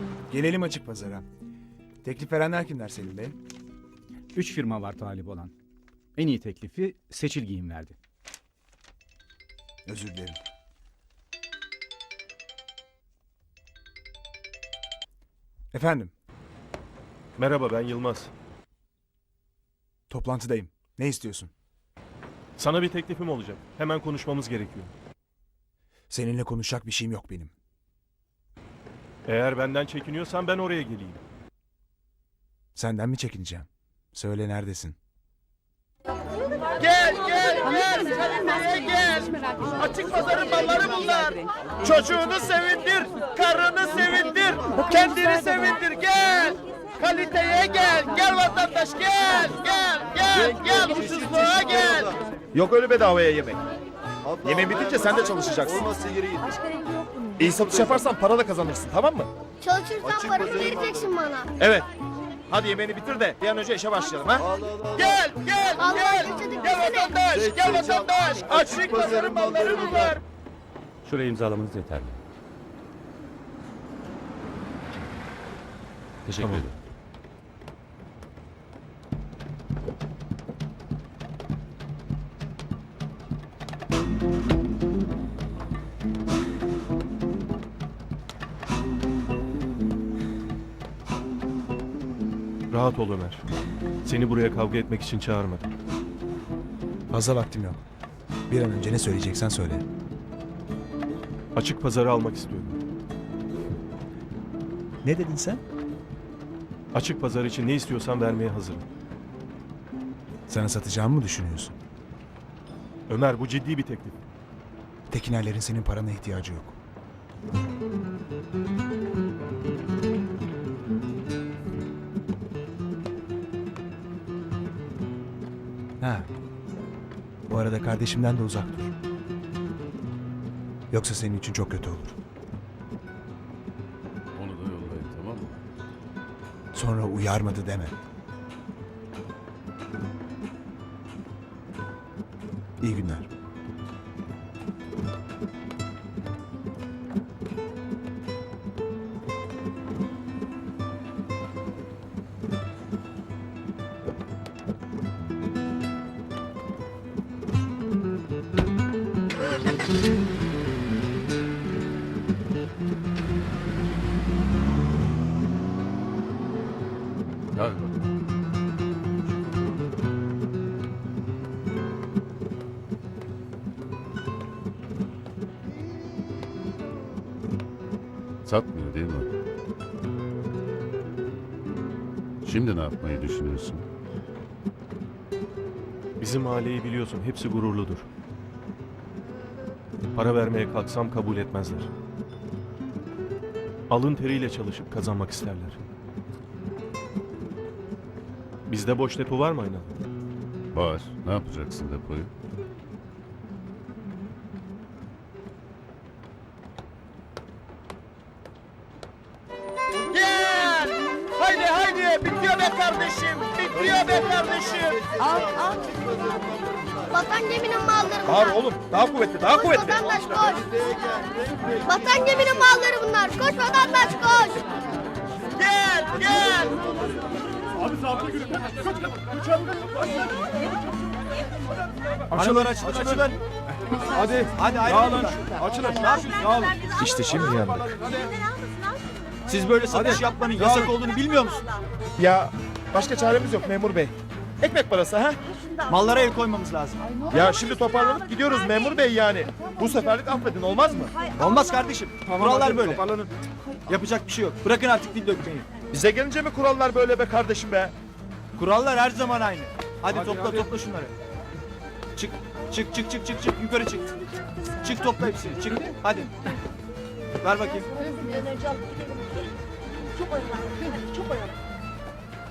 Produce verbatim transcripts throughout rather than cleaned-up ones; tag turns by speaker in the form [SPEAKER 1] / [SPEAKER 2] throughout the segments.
[SPEAKER 1] Gelelim açık pazara. Teklif verenler kimler Selim Bey?
[SPEAKER 2] Üç firma var talip olan. En iyi teklifi Seçil Giyim verdi.
[SPEAKER 1] Özür dilerim. Efendim,
[SPEAKER 3] Merhaba, ben Yılmaz.
[SPEAKER 1] toplantıdayım. Ne istiyorsun?
[SPEAKER 3] Sana bir teklifim olacak. Hemen konuşmamız gerekiyor.
[SPEAKER 1] Seninle konuşacak bir şeyim yok benim.
[SPEAKER 3] Eğer benden çekiniyorsan ben oraya geleyim.
[SPEAKER 1] Senden mi çekineceğim? Söyle neredesin?
[SPEAKER 4] Gel gel gel Kalime'ye gel. Açık pazarın malları bunlar. Çocuğunu sevindir, karını sevindir, kendini sevindir gel. Kaliteye gel, gel vatandaş gel, gel, gel, gel ucuzluğa gel.
[SPEAKER 5] Yok öyle bedavaya yemek. Yemeğin bitince sen de çalışacaksın. İyi satış yaparsan para da kazanırsın, tamam mı?
[SPEAKER 6] Çalışırsan paramı vereceksin bana.
[SPEAKER 5] Evet. Hadi yemeğini bitir de bir an önce işe başlayalım ha.
[SPEAKER 4] Gel, gel,
[SPEAKER 6] Allah
[SPEAKER 4] gel.
[SPEAKER 6] getirdik
[SPEAKER 4] Gel
[SPEAKER 6] bizi de.
[SPEAKER 4] vatandaş, gel vatandaş. Açık pazarın malları bunlar.
[SPEAKER 7] Şuraya imzalamanız yeterli. Teşekkür ederim.
[SPEAKER 3] Rahat ol Ömer. Seni buraya kavga etmek için çağırmadım.
[SPEAKER 1] Fazla vaktim yok. Bir an önce ne söyleyeceksen söyle.
[SPEAKER 3] Açık pazarı almak istiyorum.
[SPEAKER 1] Ne dedin sen?
[SPEAKER 3] Açık pazar için ne istiyorsan vermeye hazırım.
[SPEAKER 1] Sana satacağımı mı düşünüyorsun?
[SPEAKER 3] Ömer, bu ciddi bir teklif.
[SPEAKER 1] Tekinerlerin senin parana ihtiyacı yok. Ha. Bu arada kardeşimden de uzak dur. Yoksa senin için çok kötü olur.
[SPEAKER 7] Onu da yollayın, tamam mı?
[SPEAKER 1] Sonra uyarmadı deme. İyi günler.
[SPEAKER 7] Hadi bakalım. Satmıyor değil mi? Şimdi ne yapmayı düşünüyorsun?
[SPEAKER 3] Bizim mahalleyi biliyorsun, hepsi gururludur. Para vermeye kalksam kabul etmezler. Alın teriyle çalışıp kazanmak isterler. Bizde boş depo var mı Aynalı?
[SPEAKER 7] Var. Ne yapacaksın depoyu?
[SPEAKER 4] Gel. Haydi haydi bitiyor be kardeşim. Bitiyor be kardeşim.
[SPEAKER 6] Vatan geminin malları
[SPEAKER 5] Bağır
[SPEAKER 6] bunlar.
[SPEAKER 5] oğlum, daha kuvvetli, daha
[SPEAKER 6] Koş
[SPEAKER 5] kuvvetli.
[SPEAKER 6] vatandaş koş. Vatan geminin malları bunlar. Koş vatandaş koş.
[SPEAKER 4] Gel gel.
[SPEAKER 5] Açılın, açılın, açılın. Hadi, hadi ayrılın. Açılın. Dağılın.
[SPEAKER 1] İşte şimdi yandık.
[SPEAKER 5] Siz böyle satış yapmanın yasak olduğunu bilmiyor musunuz? Ya başka çaremiz yok memur bey. Ekmek parası ha?
[SPEAKER 8] Mallara el koymamız lazım.
[SPEAKER 5] Ya şimdi toparlanıp gidiyoruz memur bey yani. Bu seferlik affedin olmaz mı?
[SPEAKER 8] Olmaz kardeşim. Kurallar
[SPEAKER 5] hadi,
[SPEAKER 8] böyle.
[SPEAKER 5] Toparlanın.
[SPEAKER 8] Yapacak bir şey yok. Bırakın artık dil dökmeyi.
[SPEAKER 5] Bize gelince mi kurallar böyle be kardeşim be?
[SPEAKER 8] Kurallar her zaman aynı. Hadi,
[SPEAKER 5] Hadi,
[SPEAKER 8] topla
[SPEAKER 5] hadi.
[SPEAKER 8] topla şunları. Çık. Çık çık çık çık çık yukarı çık. Çık topla hepsini. Çık. Hadi. Ver bakayım.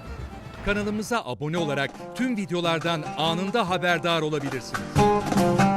[SPEAKER 9] Kanalımıza abone olarak tüm videolardan anında haberdar olabilirsiniz.